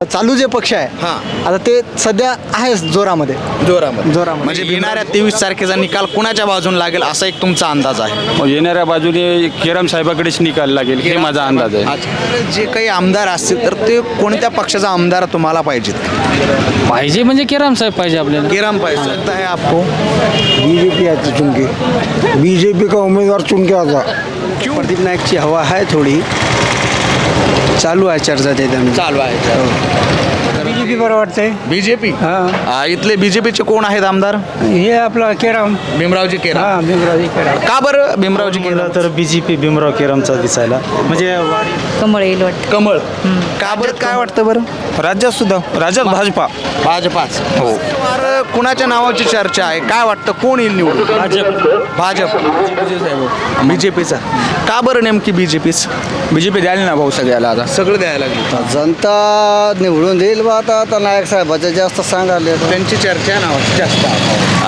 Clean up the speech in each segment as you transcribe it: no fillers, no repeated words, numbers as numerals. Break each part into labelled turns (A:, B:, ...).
A: चालू जे पक्ष आहे आता ते सध्या आहे जोरामध्ये.
B: म्हणजे येणाऱ्या 23 तारखेचा निकाल कुणाच्या बाजूने लागेल असा एक तुमचा अंदाज आहे?
C: येणाऱ्या बाजूने केरम साहेबाकडेच निकाल लागेल हे माझा अंदाज आहे.
B: तर जे काही आमदार असतील तर ते कोणत्या पक्षाचा आमदार तुम्हाला पाहिजेत?
D: पाहिजे म्हणजे केराम साहेब पाहिजे आपल्याला.
B: केराम पाहिजे लगता है आपको?
E: बीजेपी आती चुन के, बीजेपी का उम्मीदवार चुन के आता.
A: प्रदीप नाईकची हवा आहे थोडी चालू आहे चर्चा त्याच्यामध्ये.
B: चालू आहे
E: बीजेपी बरं वाटतंय.
B: बीजेपी. इथले बीजेपीचे कोण आहेत आमदार?
E: हे आपला केराम.
B: भीमरावजी केराम.
E: भीमरावजी केराम.
B: का बरं भीमरावजी केराम?
A: तर बीजेपी भीमराव केरामचा दिसायला म्हणजे
F: कमळ येईल वाटतं.
B: कमळ. का बरं काय वाटतं बरं?
A: राज्यात सुद्धा राज्यात भाजपा.
B: भाजपाच. हो. कुणाच्या नावाची चर्चा आहे? काय वाटतं कोण येईल निवडून? भाजप. बीजेपीचा. का बरं नेमकी बीजेपीच?
A: बीजेपी द्यायला ना भाऊ सगळ्याला आता.
B: सगळं द्यायला लागली.
E: जनता निवडून देईल बा आता नायक साहेबाच्या जास्त सांगाले.
B: त्यांची चर्चा नावाची जास्त आहे.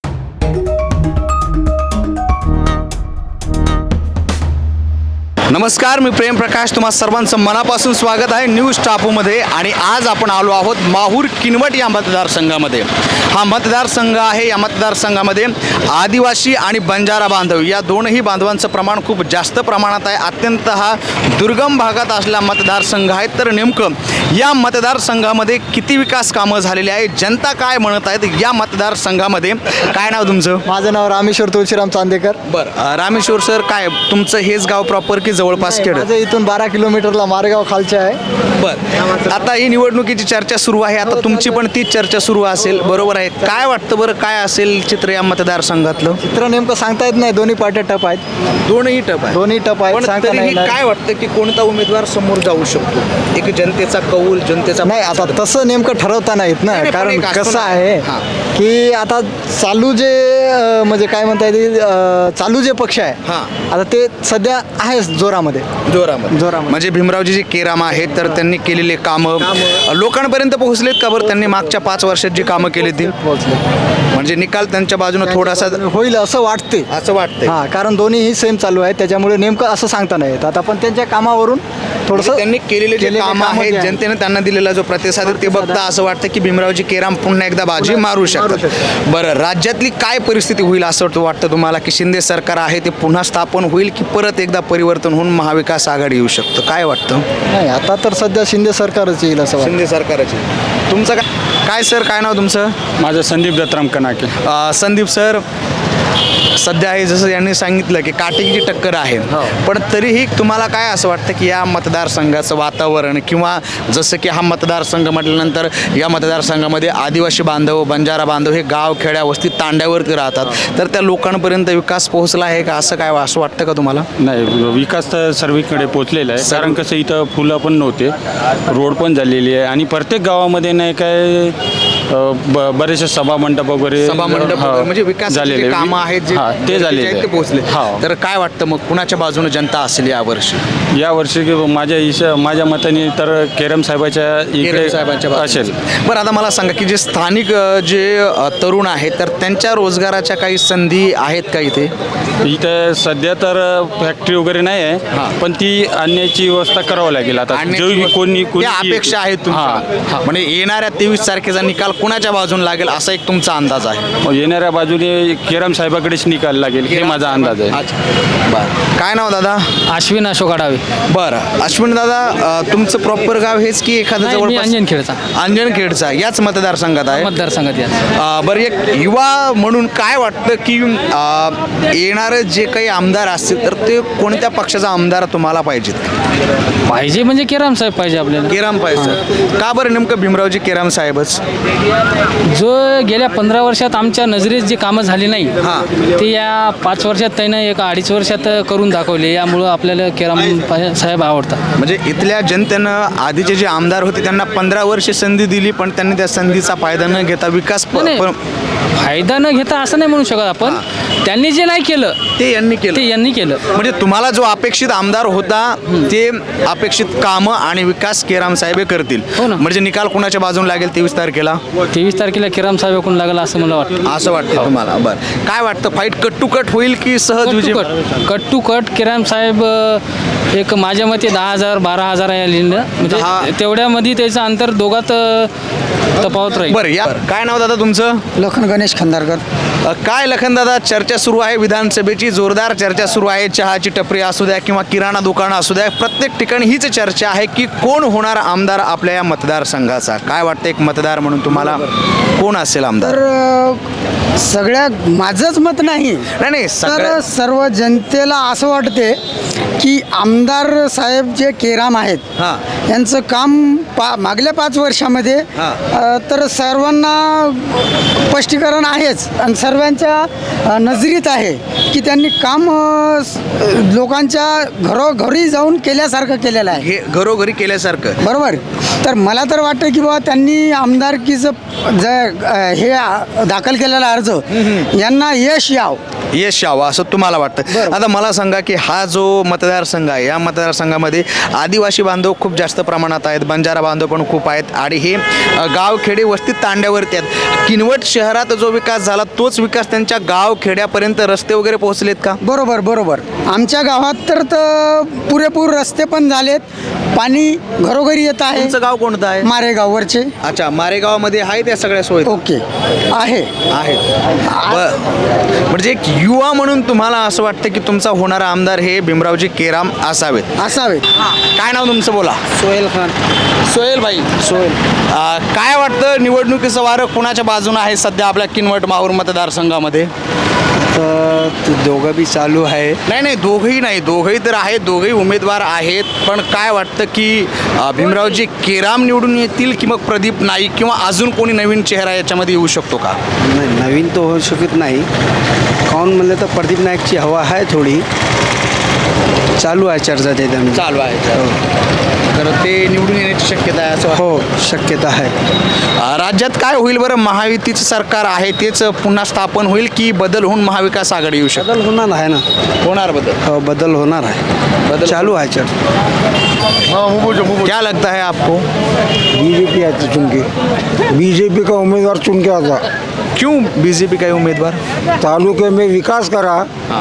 B: नमस्कार, मी प्रेम प्रकाश, तुम्हा सर्वांचं मनापासून स्वागत आहे न्यूज टापूमध्ये. आणि आज आपण आलो आहोत माहूर किनवट या मतदारसंघामध्ये. हा मतदारसंघ आहे. या मतदारसंघामध्ये आदिवासी आणि बंजारा बांधव या दोनही बांधवांचं प्रमाण खूप जास्त प्रमाणात आहे. अत्यंत हा दुर्गम भागात असलेला मतदारसंघ आहे. तर नेमकं या मतदारसंघामध्ये किती विकास कामं झालेली आहे, जनता काय म्हणत आहेत या मतदारसंघामध्ये? काय नाव तुमचं?
A: माझं नाव रामेश्वर तुळशीराम चांदेकर.
B: बरं, रामेश्वर सर, काय तुमचं हेच गाव प्रॉपर की जवळपास खेड?
A: माझं इथून 12 किलोमीटरला मारेगाव खालचे आहे.
B: बरं, आता ही निवडणुकीची चर्चा सुरू आहे. आता तुमची पण तीच चर्चा सुरू असेल, बरोबर आहे? काय वाटतं बरं, काय असेल चित्र या मतदारसंघातलं?
A: चित्र नेमकं सांगता येत नाही. दोन्ही पार्ट्या टप आहेत.
B: दोनही टप आहे.
A: दोन्ही टप आहेत.
B: पण
A: सांगता
B: तरीही
A: नाही
B: काय वाटतं की कोणता उमेदवार समोर जाऊ शकतो? एक जनतेचा कौल, जनतेचा
A: नाही. आता तसं नेमकं ठरवता नाहीत ना.
B: नाही, पण
A: कारण
B: एक असतो
A: कसं
B: ना.
A: आहे
B: हां.
A: की आता चालू जे म्हणजे काय म्हणता येईल चालू जे पक्ष आहे
B: हां.
A: आता ते सध्या आहे जोरामध्ये.
B: म्हणजे भीमरावजी जे केराम आहेत तर त्यांनी केलेले कामं लोकांपर्यंत पोहोचलेत का बरं? त्यांनी मागच्या 5 वर्षात जी कामं केली ती म्हणजे निकाल त्यांच्या बाजूने थोडासा
A: होईल असं वाटते.
B: असं वाटतंय.
A: हा, कारण दोन्हीही सेम चालू आहे त्याच्यामुळे नेमकं असं सांगता नाही येत. आता पण त्यांच्या कामावरून थोडंसं
B: त्यांनी केलेले जे कामं आहेत, जनतेने त्यांना दिलेला जो प्रतिसाद आहे ते बघता असं वाटतं की भीमरावजी केराम पुन्हा एकदा बाजी मारू शकतात. बरं, राज्यातली काय परिस्थिती होईल असं वाटतं तुम्हाला? की शिंदे सरकार आहे ते पुन्हा स्थापन होईल की परत एकदा परिवर्तन होऊन महाविकास आघाडी येऊ शकतं? काय वाटतं?
A: नाही, आता तर सध्या शिंदे सरकारच येईल असं वाटतं.
B: शिंदे सरकारची. तुमचं काय सर, काय नाव तुमचं?
C: माझं संदीप दत्तराम कनाके.
B: संदीप सर, सध्या आहे जसं यांनी सांगितलं की काटेकीची टक्कर आहे, पण तरीही तुम्हाला काय असं वाटतं की या मतदारसंघाचं वातावरण किंवा जसं की हा मतदारसंघ म्हटल्यानंतर या मतदारसंघामध्ये आदिवासी बांधव, बंजारा बांधव हे गाव खेड्या वस्ती तांड्यावरती राहतात, तर त्या लोकांपर्यंत विकास पोहोचला आहे का असं काय असं वाटतं का तुम्हाला?
C: नाही, विकास तर सर्वीकडे पोचलेला आहे. कारण कसं इथं फुलं पण नव्हते, रोड पण झालेली आहे आणि प्रत्येक गावामध्ये नाही काय बरेचसे सभा मंडप वगैरे
B: म्हणजे विकास झालेले कामं आहेत जे
C: ते झालेले
B: ते पोहोचले.
C: हा.
B: तर काय वाटतं मग कुणाच्या बाजूने जनता असेल यावर्षी?
C: यावर्षी माझ्या मताने तर केरम साहेबाच्या इकडे असेल.
B: बरं, आता मला सांगा की जे स्थानिक जे तरुण आहेत तर त्यांच्या रोजगाराच्या काही संधी आहेत का इथे?
C: इथं सध्या तर फॅक्टरी वगैरे नाही आहे, पण ती आणण्याची व्यवस्था करावं लागेल. आता कोणी
B: अपेक्षा आहेत तुमच्या? म्हणजे येणाऱ्या 23 तारखेचा निकाल कुणाच्या बाजूने लागेल असा एक तुमचा अंदाज आहे?
C: येणाऱ्या बाजूने केरम साहेबाकडेच निकाल लागेल हे माझा अंदाज आहे.
B: बरं, काय नाव दादा?
D: अश्विन अशोक आडावे.
B: बरं, अश्विन दादा, तुमचं प्रॉपर गाव हेच की एखादं जवळ?
D: अंजनखेडचा.
B: अंजनखेडचा याच मतदारसंघात आहे?
D: मतदारसंघात या.
B: बरं, एक युवा म्हणून काय वाटतं की येणारे जे काही आमदार असतील तर ते कोणत्या पक्षाचा आमदार तुम्हाला पाहिजेत?
D: पाहिजे म्हणजे केराम साहेब पाहिजे आपल्याला.
B: केराम पाहिजे. का बरं नेमकं भीमरावजी केराम साहेबच?
D: जो गेल्या 15 वर्षात आमच्या नजरेत जी कामं झाली नाही ते या 5 वर्षात त्यानं 1-2.5 वर्षात करून दाखवले. यामुळं आपल्याला केराम साहेब आवडतात.
B: म्हणजे इथल्या जनतेनं आधीचे जे आमदार होते त्यांना 15 वर्षे संधी दिली, पण त्यांनी त्या संधीचा फायदा न घेता विकास
D: फायदा न घेता असं नाही म्हणू शकत आपण. त्यांनी जे नाही केलं
B: ते यांनी केलं.
D: ते यांनी केलं.
B: म्हणजे तुम्हाला जो अपेक्षित आमदार होता ते अपेक्षित कामं आणि विकास केराम साहेब हे करतील.
D: हो ना.
B: म्हणजे निकाल कुणाच्या बाजून लागेल 23 तारखेला
D: 23 तारखेला केराम साहेब कोण लागला असं मला वाटतं.
B: असं वाटतं तुम्हाला? बरं, काय वाटतं, फाईट कट टू कट होईल की सहज विजय?
D: कट टू कट केराम साहेब एक माझ्या मते 10,000 12,000 आहे लिहिलं. म्हणजे
B: 10.
D: तेवढ्यामध्ये त्याचं अंतर दोघात तफावत राहील.
B: बरं, या काय नाव दादा तुमचं?
E: लखन गणेश खंदारकर.
B: काय लखनदादा, चर्चा सुरू आहे विधानसभेची, जोरदार चर्चा सुरू आहे. चहाची टपरी असू द्या किंवा किराणा दुकानं असू द्या, प्रत्येक ठिकाणी हीच चर्चा आहे की कोण होणार आमदार आपल्या या मतदारसंघाचा. काय वाटतं एक मतदार म्हणून तुम्हाला कोण असेल आमदार?
F: तर सगळ्या माझंच मत नाही,
B: नाही
F: तर सर्व जनतेला असं वाटते की आमदार साहेब जे केराम आहेत
B: हां.
F: यांचं काम मागल्या 5 वर्षामध्ये तर सर्वांना स्पष्टीकरण आहेच आणि सर्वांच्या नजरीत आहे की त्यांनी काम लोकांच्या घरोघरी जाऊन केल्यासारखं केलेलं आहे.
B: हे घरोघरी केल्यासारखं.
F: बरोबर. तर मला तर वाटतं की बाबा त्यांनी आमदारकीचं हे दाखल केलेला अर्ज यांना यश
B: यावं असं तुम्हाला वाटतं? आता मला सांगा की हा जो मतदारसंघ आहे या मतदारसंघामध्ये आदिवासी बांधव खूप जास्त प्रमाणात आहेत, बंजारा बांधव पण खूप आहेत आणि हे गाव खेडे वस्ती तांड्यावरती आहेत. किनवट शहरात जो विकास झाला तोच विकास त्यांच्या गाव खेड्यापर्यंत रस्ते वगैरे पोहोचलेत का?
F: बरोबर. आमच्या गावात तर पुरेपूर रस्ते पण झालेत, पाणी घरोघरी येत आहे.
B: तुमचं गाव कोणतं आहे?
F: मारेगाववरचे.
B: अच्छा, मारेगावामध्ये आहे त्या सगळ्या सोयी
F: ओके आहे.
B: म्हणजे एक युवा म्हणून तुम्हाला असं वाटतं की तुमचा होणारा आमदार हे भीमरावजी केराम असावेत? काय नाव तुमचं बोला?
F: सोहेल खान.
B: सोहेल भाई. काय वाटतं निवडणुकीचं वारं कुणाच्या बाजूने आहे सध्या आपल्या किनवट माहूर मतदारसंघामध्ये?
E: दोघं बी चालू आहे.
B: नाही दोघंही तर आहेत, दोघंही उमेदवार आहेत. पण काय वाटतं की भीमरावजी केराम निवडून येतील की मग प्रदीप नाईक किंवा अजून कोणी नवीन चेहरा याच्यामध्ये येऊ शकतो का?
E: नाही, नवीन तो होऊ शकत नाही. काहून म्हणलं तर प्रदीप नाईकची हवा आहे थोडी चालू आहे, चर्चा त्याच्यामध्ये
B: चालू आहे. तर ते निवडून येण्याची शक्यता आहे असं?
E: हो, शक्यता आहे.
B: राज्यात काय होईल बरं? महायुतीचं सरकार आहे तेच पुन्हा स्थापन होईल की बदल होऊन महाविकास आघाडी येऊ शकतो?
E: बदल होणार आहे ना.
B: होणार बदल?
E: हो, बदल होणार आहे.
B: बदल
E: चालू आहे चर्चा.
B: क्या लगता है आपको?
E: बीजेपी आती चुन के, बीजेपी का उम्मीदवार चुन के आता.
B: क्यों बीजेपी का उम्मीदवार?
E: तालुके में विकास करा.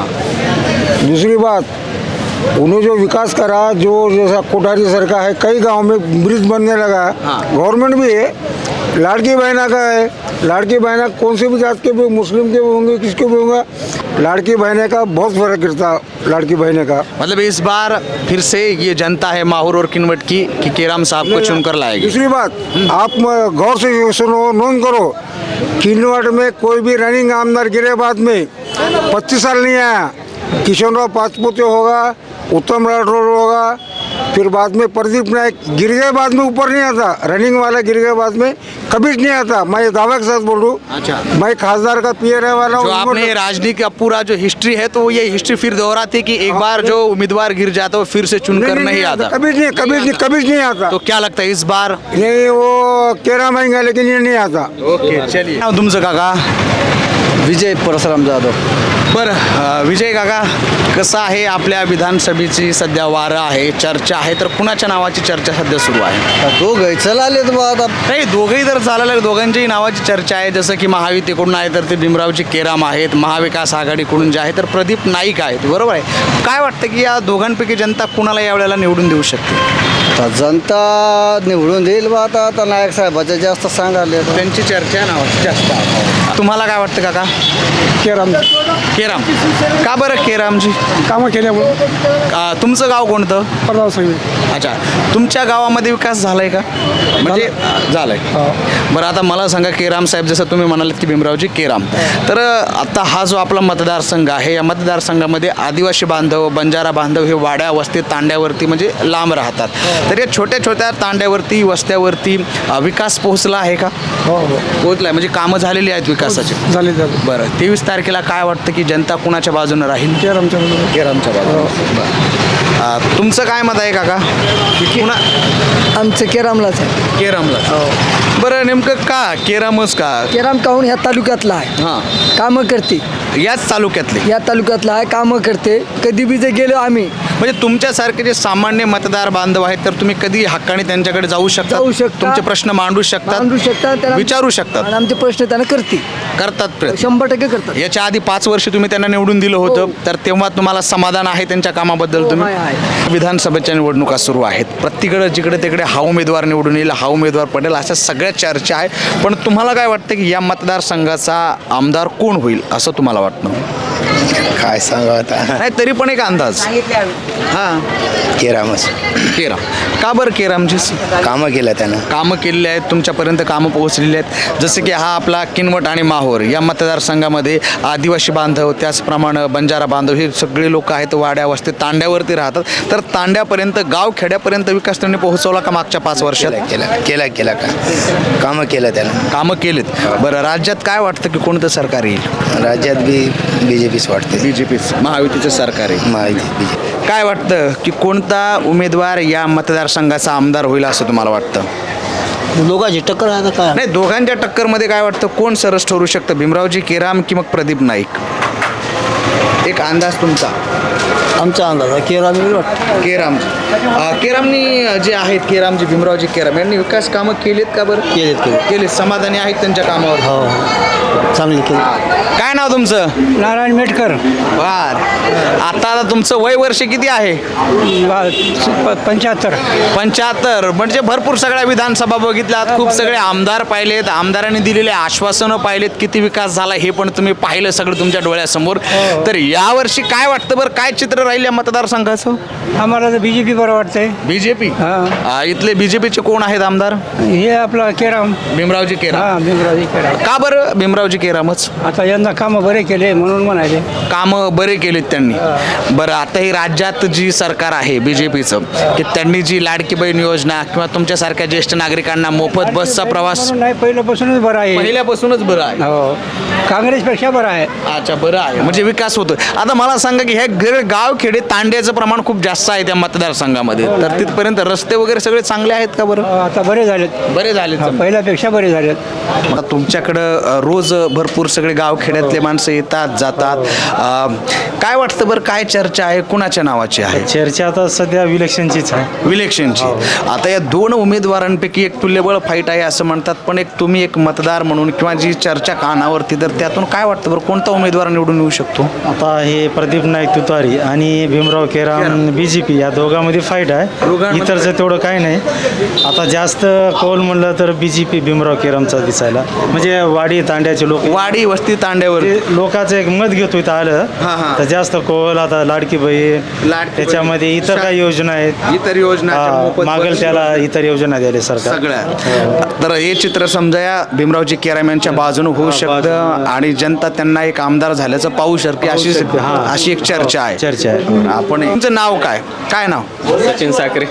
E: दूसरी बात, उन्होंने जो विकास करा, जो जैसा कोठारी सरकार है, कई गांव में ब्रिज बनने लगा. गवर्नमेंट भी है, लाड़की बहना का है. लाड़की बहना कौन से भी जात के भी, मुस्लिम के भी होंगे, किसके भी होंगे, लाड़की बहने का बहुत फर्क गिरता. लाड़की बहने का
B: मतलब इस बार फिर से ये जनता है माहौर और किनवट की कि केराम साहब को चुनकर लाएगी.
E: दूसरी बात, आप गौर से सुनो, नोट करो, किनवट में कोई भी रनिंग आमदार गिरे बाद में 25 साल नहीं आया. किशनराव पाचपुते होगा, उत्तम राठौर होगा, फिर बाद में प्रदीप नायक गिर गए, बाद में ऊपर नहीं आता. रनिंग वाला गिर गए बाद में कभी नहीं आता. मैं ये दावा के साथ बोल रहा हूँ.
B: अच्छा.
E: मैं खासदार का पीए रहने वाला
B: जो
E: हूँ.
B: आपने राजनीति का पूरा जो हिस्ट्री है तो ये हिस्ट्री फिर दोहराती कि एक बार जो उम्मीदवार गिर जाता है वो फिर से चुनकर नहीं आता.
E: कभी नहीं आता.
B: तो क्या लगता है इस बार?
E: नहीं, वो केराम आएंगे लेकिन ये नहीं आता.
B: ओके, चलिए. नाव तुमचं काका?
A: विजय परशुराम जाधव.
B: बरं, विजय काका, कसं आहे आपल्या विधानसभेची सध्या वारं आहे, चर्चा आहे, तर कुणाच्या नावाची चर्चा सध्या सुरू आहे?
A: दोघं चला बा आता.
B: नाही, दोघंही जर चाललं, दोघांच्याही नावाची चर्चा आहे. जसं की महायुतीकडून आहे तर ते भीमरावजी केराम आहेत, महाविकास आघाडीकडून जे आहे तर प्रदीप नाईक आहेत. बरोबर आहे. काय वाटतं की या दोघांपैकी जनता कुणाला यावेळेला निवडून देऊ शकते?
A: तर जनता निवडून देईल बा आता नायक साहेबाच्या जास्त सांगाले.
B: त्यांची चर्चा नावाची जास्त आहे. तुम्हाला काय वाटतं काका?
E: केराम
B: केराम. का बरं केरामजी?
E: कामं केल्यामुळे.
B: तुमचं गाव कोणतं?
E: परदाव सांगली.
B: अच्छा, तुमच्या गावामध्ये विकास झालाय का? म्हणजे झालाय. बरं, आता मला सांगा, केराम साहेब जसं तुम्ही म्हणालात की भीमरावजी केराम, तर आता हा जो आपला मतदारसंघ आहे या मतदारसंघामध्ये आदिवासी बांधव, बंजारा बांधव हे वाड्या वस्ती तांड्यावरती म्हणजे लांब राहतात. तर या छोट्या छोट्या तांड्यावरती वस्त्यावरती विकास पोहोचला आहे का?
E: हो,
B: पोहोचला, म्हणजे कामं झालेली आहेत विकासाची?
E: झाले.
B: बरं, 23 तारखेला काय वाटतं की जनता कुणाच्या बाजूने राहील?
E: केरामच्या बाजूने.
B: केरामच्या बाजूने. तुमचं काय मत आहे काका?
F: आमचं केरामलाच आहे.
B: केरामला. बरं नेमकं का केरामच का
G: केराम काहून ह्या तालुक्यातला आहे.
B: हां
G: कामं करते.
B: याच तालुक्यातले
G: या तालुक्यातला आहे, कामं करते. कधी बी जे गेलो आम्ही
B: म्हणजे तुमच्यासारखे जे सामान्य मतदार बांधव आहेत तर तुम्ही कधी हक्काने त्यांच्याकडे जाऊ शकता,
G: जाऊ शकता.
B: तुमचे प्रश्न मांडू शकतात,
G: मांडू शकता त्यांना
B: विचारू शकतात,
G: आणि आमचे प्रश्न त्यांना करते.
B: करतात प्रयत्न.
G: 100% करतात.
B: याच्या आधी 5 वर्ष तुम्ही त्यांना निवडून दिलं होतं
G: हो.
B: तर तेव्हा तुम्हाला समाधान आहे त्यांच्या कामाबद्दल?
G: हो,
B: तुम्ही
G: आहे.
B: विधानसभेच्या निवडणुका सुरू आहेत, प्रत्येकडे जिकडे तिकडे हा उमेदवार निवडून येईल, हा उमेदवार पडेल, अशा सगळ्या चर्चा आहे. पण तुम्हाला काय वाटतं की या मतदारसंघाचा आमदार कोण होईल असं तुम्हाला वाटतं?
H: काय सांगा आता
B: नाही तरी पण एक अंदाज. हां
H: केरामच
B: केराम. का बरं केरामची?
H: कामं केलं त्यानं.
B: कामं केलेली आहेत, तुमच्यापर्यंत कामं पोहोचलेली आहेत. जसं की हा आपला किनवट आणि माहोर या मतदारसंघामध्ये आदिवासी बांधव, त्याचप्रमाणे बंजारा बांधव हे सगळे लोक आहेत, वाड्या वस्ती तांड्यावरती राहतात. तर तांड्यापर्यंत गाव खेड्यापर्यंत विकास त्यांनी पोहोचवला का मागच्या 5 वर्षात?
H: केला का कामं केलं त्यानं.
B: कामं केलीत. बरं राज्यात काय वाटतं की कोणतं सरकार येईल?
H: राज्यात बी BJPच वाटते.
B: BJPच, महायुतीचं सरकार आहे.
H: माहिती BJP.
B: काय वाटतं की कोणता उमेदवार या मतदारसंघाचा आमदार होईल असं तुम्हाला वाटतं?
G: दोघांची टक्कर आहे काय.
B: नाही दोघांच्या टक्करमध्ये काय वाटतं कोण सरस ठरू शकतं, भीमरावजी केराम की मग प्रदीप नाईक? एक अंदाज तुमचा.
G: आमचा अंदाज आहे केराम वाटतं.
B: केरामजी केरामनी जे आहेत, केरामजी भीमरावजी केराम यांनी विकास कामं केलीत का बरं? केलीत. समाधानी आहेत त्यांच्या कामावर?
G: हो चांगली केली.
B: काय नाव तुमचं?
G: नारायण मेटकर.
B: बर. आता तुमचं वय वर्ष किती आहे? 75. म्हणजे भरपूर सगळ्या विधानसभा बघितल्यात, खूप सगळे आमदार पाहिलेत, आमदारांनी दिलेले आश्वासनं पाहिलेत, किती विकास झाला हे पण तुम्ही पाहिलं सगळं तुमच्या डोळ्यासमोर. तर यावर्षी काय वाटतं बरं, काय चित्र राहील या मतदारसंघाचं?
G: आम्हाला तर BJP बरं वाटतंय.
B: बीजेपी. इथले बीजेपीचे कोण आहेत आमदार?
G: हे आपला केराम.
B: भीमरावजी केराम.
G: भीमरावजी केराम.
B: का बरं भीमरावजी केरामच?
G: आता यंदा कामं बरे केले म्हणून म्हणाले.
B: कामं बरे केलेत त्यांनी. बरं आता ही राज्यात जी सरकार आहे BJPचं, की त्यांनी जी लाडकी बहीण योजना किंवा तुमच्यासारख्या ज्येष्ठ नागरिकांना मोफत बसचा प्रवास
G: नाही पहिल्यापासूनच बरं आहे.
B: पहिल्यापासूनच बरं आहे.
G: हो काँग्रेसपेक्षा बरं आहे.
B: अच्छा बरं आहे, म्हणजे विकास होतो. आता मला सांगा की हे गाव खेडे तांड्याचं प्रमाण खूप जास्त आहे त्या मतदारसंघामध्ये, तर तिथपर्यंत रस्ते वगैरे सगळे चांगले आहेत का बरं?
G: आता बरे झालेत.
B: बरे झाले.
G: पहिल्यापेक्षा बरे झालेत.
B: आता तुमच्याकडं रोज भरपूर सगळे गावखेड्यातले माणसं येतात जातात. काय वाटतं बरं, काय चर्चा आहे, कुणाच्या नावाची आहे
C: चर्चा? आता सध्या इलेक्शनचीच आहे.
B: इलेक्शनची. आता या 2 उमेदवारांपैकी एक तुल्यबळ फाईट आहे असं म्हणतात, पण एक तुम्ही एक मतदार म्हणून किंवा जी चर्चा कानावरती, तर त्यातून काय वाटतं बरं, कोणता उमेदवार निवडून येऊ शकतो?
C: आता हे प्रदीप नाईक तुतारी आणि भीमराव केराम BJP या दोघांमध्ये फाईट आहे.
B: दोघांमध्ये
C: इतरचं तेवढं काही नाही. आता जास्त कौल म्हणलं तर BJP भीमराव केरामचा दिसायला, म्हणजे वाडी तांड्याचे लोक,
B: वाडी वस्ती तांड्यावर
C: लोकांचं एक मत घेतो इथं आलं तर जास्त कौल. आता लाडकी बहीण,
B: लाडकी
C: त्याच्यामध्ये
B: बहीण,
C: इतर काही योजना आहेत,
B: इतर योजना
C: मागेल त्याला इतर योजना द्यायला सरकार.
B: सगळ्या. तर हे चित्र समजा या भीमरावजी केराम यांच्या बाजूने होऊ शकतं आणि जनता त्यांना एक आमदार झाल्याचं पाहू शकते, अशी एक चर्चा आहे.
C: चर्चा आहे.
B: आपण तुमचं नाव काय? काय नाव?
I: सचिन साखरे.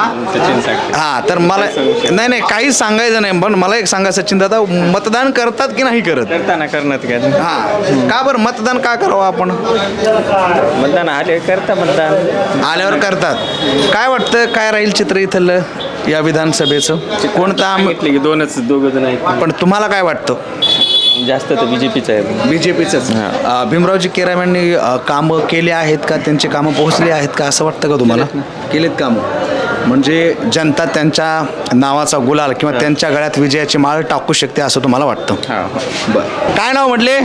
B: हा तर मला नाही काहीच सांगायचं नाही, पण मला एक सांगा सचिन दादा, मतदान करतात की नाही करत?
I: करताना करणार काय
B: हा का बरं मतदान का करावं आपण?
I: मतदान आले करता मतदान
B: आल्यावर करतात. काय वाटतं काय राहील चित्र इथलं या विधानसभेचं? कोणता
I: सांगितले की दोघं जण आहेत,
B: पण तुम्हाला काय वाटतं?
I: जास्त तर BJPच आहे.
B: BJPचंच. भीमरावजी केराम यांनी कामं केले आहेत का, त्यांचे कामं पोहोचले आहेत का असं वाटतं का तुम्हाला? केलेत कामं, म्हणजे जनता त्यांच्या नावाचा गुलाल किंवा त्यांच्या गळ्यात विजयाची माळ टाकू शकते असं तुम्हाला वाटतं? बरं. काय नाव म्हटले?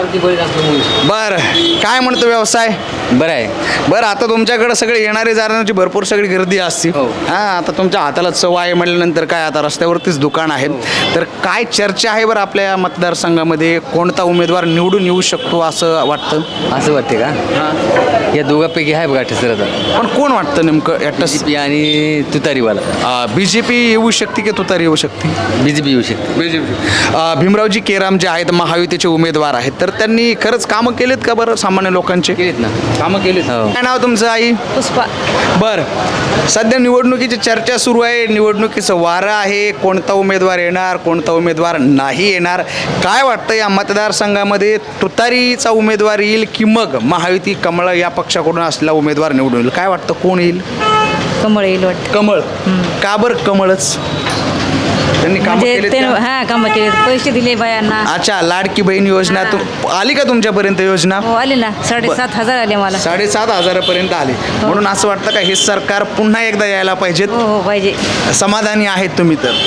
B: बरं. काय म्हणतो व्यवसाय?
I: बरं आहे.
B: बरं आता तुमच्याकडे सगळे येणारे जाणाऱ्यांची भरपूर सगळी गर्दी असते. हां आता तुमच्या हाताला चव आहे म्हटल्यानंतर काय, आता रस्त्यावरतीच दुकान आहे, तर काय चर्चा आहे बरं आपल्या या मतदारसंघामध्ये, कोणता उमेदवार निवडून येऊ शकतो असं वाटतं?
I: असं वाटते का? या दोघांपैकी आहे बघा ठसर.
B: पण कोण वाटतं नेमकं ॲटस?
I: BJP आणि तुतारीवाला.
B: BJP येऊ शकते की तुतारी येऊ शकते?
I: BJP येऊ शकते.
B: BJP. भीमरावजी केराम जे आहेत महायुतीचे उमेदवार आहेत, तर त्यांनी खरंच कामं केलेत का बरं सामान्य लोकांचे?
I: केलीत ना
B: कामं केलीत.
I: हो.
B: काय नाव तुमचं आई?
J: पुष्पा.
B: बरं. सध्या निवडणुकीची चर्चा सुरू आहे, निवडणुकीचं वारं आहे, कोणता उमेदवार येणार, कोणता उमेदवार नाही येणार. काय वाटतं या मतदारसंघामध्ये तुतारीचा उमेदवार येईल की मग महायुती कमळ या पक्षाकडून असलेला उमेदवार निवडून येईल? काय वाटतं कोण येईल?
J: कमळ येईल वाटतं.
B: कमळ. का बरं कमळच? त्यांनी कामं
J: म्हणजे
B: केलीत
J: ते
B: का?
J: हा कामं केले पैसे दिले बायांना.
B: अच्छा, लाडकी बहीण योजना आली का तुमच्यापर्यंत योजना?
J: हो आले ना 7,500 आले मला.
B: 7,500 पर्यंत आले. म्हणून असं वाटतं का हे सरकार पुन्हा एकदा यायला पाहिजेत?
J: हो हो पाहिजे.
B: समाधानी आहेत तुम्ही तर?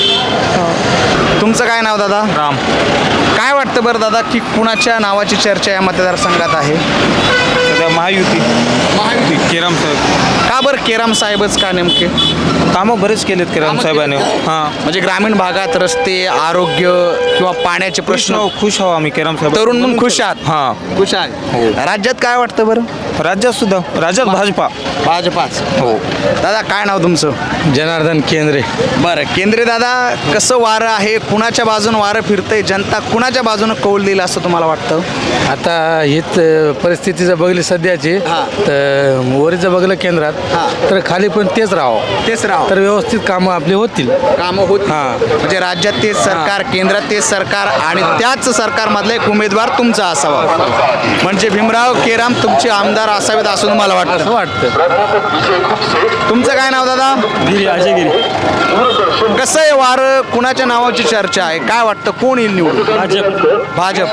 B: तुमचं काय नाव दादा?
C: राम.
B: काय वाटतं बरं दादा की कुणाच्या नावाची चर्चा या मतदारसंघात आहे?
C: सध्या महायुती.
B: महायुती.
C: केराम साहेब
B: का बरं केराम साहेबच का नेमके?
C: कामं बरेच केलेत केराम साहेबांनी. हां,
B: म्हणजे ग्रामीण भागात रस्ते, आरोग्य किंवा पाण्याचे प्रश्न.
C: खुश आहो आम्ही केराम साहेब.
B: तरुण म्हणून खुश आहात?
C: हां.
B: खुश आहे. राज्यात काय वाटतं बरं?
C: राज्यात सुद्धा राज्यात भाजपा.
B: भाजपाच. हो. दादा काय नाव तुमचं?
I: जनार्दन केंद्रे.
B: बरं केंद्रे दादा, कसं वारं आहे, कुणाच्या बाजून वारं फिरतंय, जनता कुणाच्या बाजूनं कौल देईल असं तुम्हाला वाटतं?
I: आता हेच परिस्थिती जर बघली सध्याची
B: हां.
I: तर वरीचं बघलं केंद्रात
B: हां.
I: तर खाली पण तेच राहावं,
B: तेच राव
I: तर व्यवस्थित कामं आपली होतील.
B: कामं होत.
I: हां.
B: म्हणजे राज्यात तेच सरकार, केंद्रात तेच सरकार आणि त्याच सरकारमधला एक उमेदवार तुमचा असावा. म्हणजे भीमराव केराम तुमचे आमदार असावेत असं तुम्हाला
I: असं
B: वाटतं?
I: वाटतं.
B: तुमचं काय नाव दादा?
C: गिरी अजय गिरी.
B: कसं आहे वारं, कुणाच्या नावाची चर्चा आहे, काय वाटतं कोण येईल निवडून? भाजप.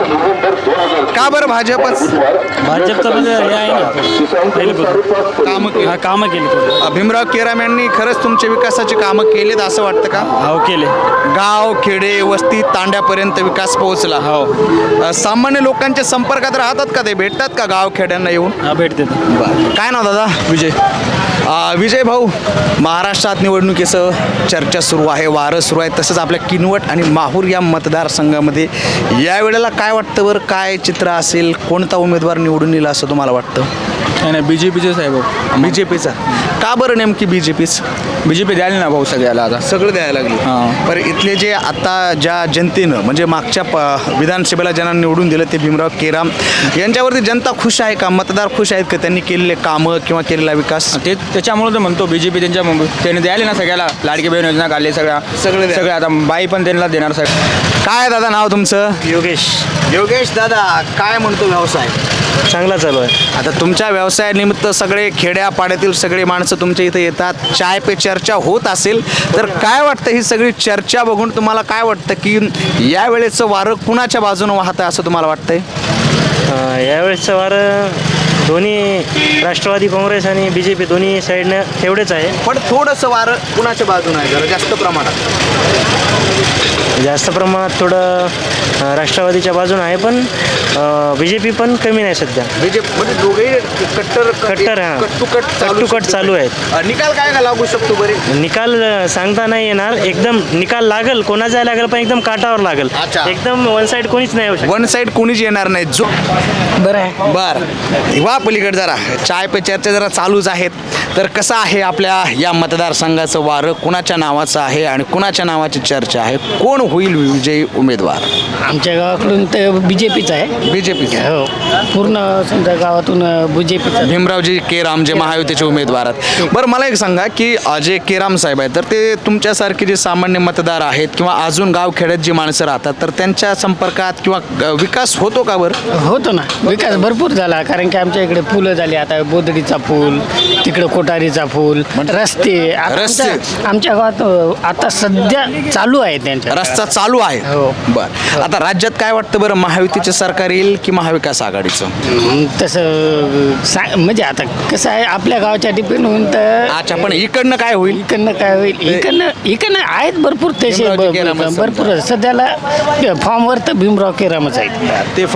B: का बरं भाजपच?
C: भाजपचं म्हणजे हे आहे ना पहिल्यापासून
B: कामं केली.
C: कामं केली.
B: भीमराव केराम यांनी खरंच तुमच्या विकासाची कामं केलीत असं वाटतं का?
C: हो केले.
B: गाव खेडे वस्ती तांड्यापर्यंत विकास पोहोचला.
C: हो.
B: सामान्य लोकांच्या संपर्कात राहतात का ते? भेटतात का गाव खेड्यांना येऊन?
C: हा भेटते.
B: काय नाव दादा? विजय. विजय भाऊ, महाराष्ट्रात निवडणुकीचं चर्चा सुरू आहे, वारं सुरू आहे, तसंच आपल्या किनवट आणि माहूर या मतदारसंघामध्ये यावेळेला काय वाटतं बरं, काय चित्र असेल, कोणता उमेदवार निवडून येईल असं तुम्हाला वाटतं?
C: नाही BJPचे साहेब.
B: BJPचा. का बरं नेमकी BJPच?
C: BJP द्यायला ना भाऊ सगळ्याला आता.
B: सगळं द्यायला लागली.
C: हां.
B: बरं इथले जे आता ज्या जनतेनं म्हणजे मागच्या विधानसभेला ज्यांना निवडून दिलं ते भीमराव केराम यांच्यावरती जनता खुश आहे का? मतदार खुश आहेत का त्यांनी केलेले कामं किंवा केलेला विकास?
C: त्याच्यामुळे तर म्हणतो BJP त्याने द्यायला ना सगळ्याला. लाडकी बहीण योजना काढली सगळं आता बाई पण त्यांना देणार सगळं.
B: काय दादा नाव तुमचं?
G: योगेश.
B: योगेश दादा, काय म्हणतो व्यवसाय?
G: चांगला चालू आहे.
B: आता तुमच्या व्यवसायानिमित्त सगळे खेड्यापाड्यातील सगळे माणसं तुमच्या इथे येतात, चाय पे चर्चा होत असेल तर काय वाटतं ही सगळी चर्चा बघून तुम्हाला काय वाटतं की यावेळेचं वारं कुणाच्या बाजूनं वाहतं असं तुम्हाला वाटतंय?
G: यावेळेसचं वारं दोन्ही राष्ट्रवादी काँग्रेस आणि BJP दोन्ही साईडनं तेवढेच आहे.
B: पण थोडंसं वारं कुणाच्या बाजूनं आहे जरा जास्त प्रमाणात?
G: जास्त प्रमाणात थोडं राष्ट्रवादीच्या बाजूने आहे, पण BJP पण कमी नाही सध्या.
B: BJP म्हणजे दोघेही
G: कट्टर हां कट चालू आहेत.
B: निकाल काय का लागू शकतो बरे?
G: निकाल सांगता नाही येणार. एकदम निकाल लागल, कोणाचा लागेल पण एकदम काटावर लागेल.
B: अच्छा.
G: एकदम वन साईड कोणीच नाही येऊ शकत.
B: वन साईड कोणीच येणार नाही. जो
G: बरं आहे.
B: बर वा पलीकडे जरा चाय पे चर्चा जरा चालूच आहेत. तर कसं आहे आपल्या या मतदारसंघाचं वारं कुणाच्या नावाचं आहे आणि कुणाच्या नावाची चर्चा आहे, कोण होईल विजयी उमेदवार?
D: आमच्या गावाकडून तर BJPच आहे.
B: BJP.
D: हो, पूर्ण समजा गावातून BJPच.
B: भीमरावजी केराम जे महायुतीचे उमेदवार आहेत. बरं मला एक सांगा की जे केराम साहेब आहेत तर ते तुमच्यासारखे जे सामान्य मतदार आहेत किंवा अजून गावखेड्यात जी माणसं राहतात तर त्यांच्या संपर्कात किंवा विकास होतो का बरं?
D: होतो ना, विकास भरपूर झाला. कारण की आमच्या इकडे फुलं झाली, आता बोदडीचा फूल, तिकडे कोटारीचा फूल, रस्ते. आता
B: रस्ते?
D: आमच्या गावात आता सध्या चालू आहे त्यांच्या.
B: रस्ता चालू आहे.
D: हो.
B: बरं आता राज्यात काय वाटतं बरं, महायुतीचे सरकार येईल की महाविकास आघाडीचं?
D: तसं म्हणजे आता कसं आहे आपल्या गावाच्या डिपेंड होऊन तर.
B: अच्छा, पण इकडनं काय होईल?
D: इकडनं काय होईल? इकडनं आहेत भरपूर तसे
B: भीमरावजी केरामच
D: भरपूर सध्याला फॉर्मवर तर भीमराव केरामच आहेत.
B: ते